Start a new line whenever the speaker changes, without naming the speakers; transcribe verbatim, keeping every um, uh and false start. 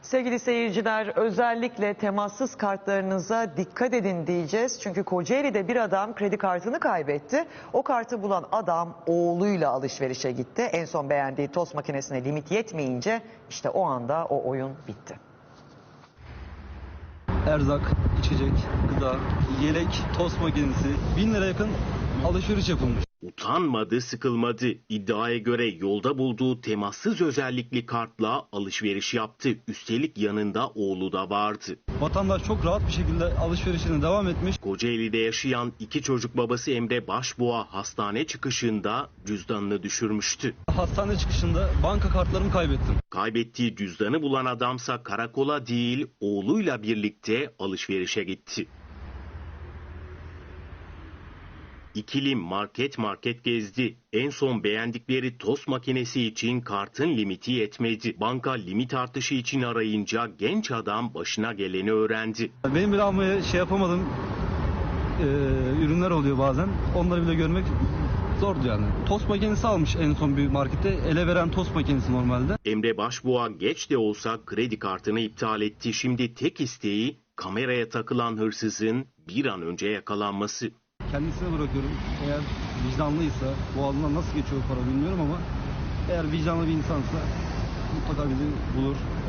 Sevgili seyirciler, özellikle temassız kartlarınıza dikkat edin diyeceğiz. Çünkü Kocaeli'de bir adam kredi kartını kaybetti. O kartı bulan adam oğluyla alışverişe gitti. En son beğendiği tost makinesine limit yetmeyince işte o anda o oyun bitti.
Erzak, içecek, gıda, yelek, tost makinesi bin lira yakın alışveriş yapılmış.
Utanmadı, sıkılmadı. İddiaya göre yolda bulduğu temassız özellikli kartla alışveriş yaptı. Üstelik yanında oğlu da vardı.
Vatandaş çok rahat bir şekilde alışverişine devam etmiş.
Kocaeli'de yaşayan iki çocuk babası Emre Başbuğa hastane çıkışında cüzdanını düşürmüştü.
Hastane çıkışında banka kartlarımı kaybettim.
Kaybettiği cüzdanı bulan adamsa karakola değil oğluyla birlikte alışverişe gitti. İkili market market gezdi. En son beğendikleri tost makinesi için kartın limiti yetmedi. Banka limit artışı için arayınca genç adam başına geleni öğrendi.
Benim bile almaya şey yapamadığım e, ürünler oluyor bazen. Onları bile görmek zordu yani. Tost makinesi almış en son bir markette. Ele veren tost makinesi normalde.
Emre Başbuğa geç de olsa kredi kartını iptal etti. Şimdi tek isteği kameraya takılan hırsızın bir an önce yakalanması.
Kendisine bırakıyorum. Eğer vicdanlıysa, boğazından nasıl geçiyor para bilmiyorum ama eğer vicdanlı bir insansa mutlaka bizi bulur.